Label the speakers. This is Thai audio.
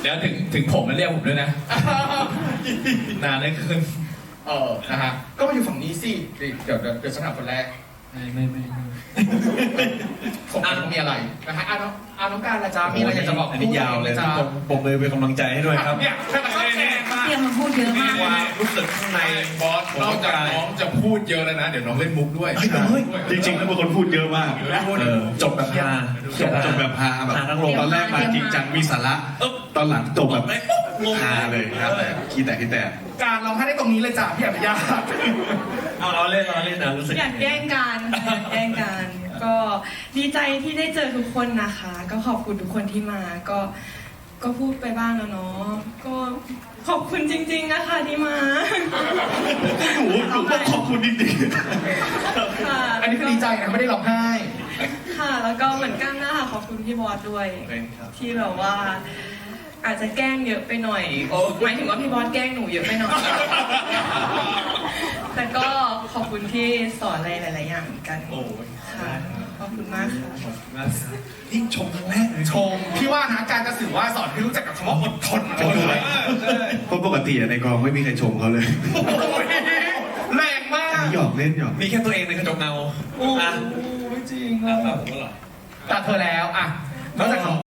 Speaker 1: เดี๋ยวถึงผมมาเรียกผมด้วยนะนานเลยขึ้น
Speaker 2: นะฮะก็มาอยู่ฝั่งนี้สิเดี๋ยวฉันถามคนแรก
Speaker 1: ไม่
Speaker 2: สมมติมีอะไรนะฮะน้องการละจ้ามีอะไรอยากจะบอก
Speaker 3: อันนี้ยาวเลยจ้าผมเลยเป็นกำลังใจให้ด้วยครับ
Speaker 2: เนี่ยชอบแชร์มาก
Speaker 4: เตรียมมาพูดเยอะมาก
Speaker 3: ความรู้สึกข้างใน
Speaker 1: บอสนอกจากน้องจะพูดเยอะแล้วนะเดี๋ยวน้องเล่นมุกด้วย
Speaker 3: จริงๆแล้วเป็นคนพูดเยอะมากจบแบบฮาจบแบบฮาแบบตอนแรกมาจริงจังมีสาระตอนหลังจบแบบฮาเลยครับคิดแต่
Speaker 2: การเราให้ได้ตรงนี้เลยจ้ะพี่อภิญญา
Speaker 3: เราเล่นนะรู้สึก
Speaker 4: อยากแกล้งกันก็ดีใจที่ได้เจอทุกคนนะคะ ก็ขอบคุณทุกคนที่มาก็พูดไปบ้างแล้วเนาะก็ขอบคุณจริงๆนะคะที่มา
Speaker 3: หนูก็ขอบคุณจริงๆ
Speaker 4: ค่ะ
Speaker 2: อันนี้คือดีใจนะไม่ได้ร้องไห้
Speaker 4: ค่ะแล้วก็เหมือนกันนะคะขอบคุณพี่บอสด้วยที่แบบว่าอาจจะแกล้งเยอะไปหน่อยหมายถึงว่าพี่บอสแกล้งหนูเยอะไปหน่อยแต่ก็ขอบคุณที่สอนอะไรหลายๆอย่างกันค่ะขอบคุณมากค่ะ
Speaker 3: นี่ชมครั้งแรกเลย
Speaker 2: ชมพี่ว่านะการจะสื่อว่าสอนให้รู้จักกับคำว่าอดทนเลย
Speaker 3: เพราะปกติในกองไม่มีใครชมเขาเลย
Speaker 2: แรงมาก
Speaker 3: หยอกเล่นหยอก
Speaker 1: มีแค่ตัวเองในกระจกเงา
Speaker 2: โอ้จริงอ่ะแต่เธอแล้วอ่ะนอกจาก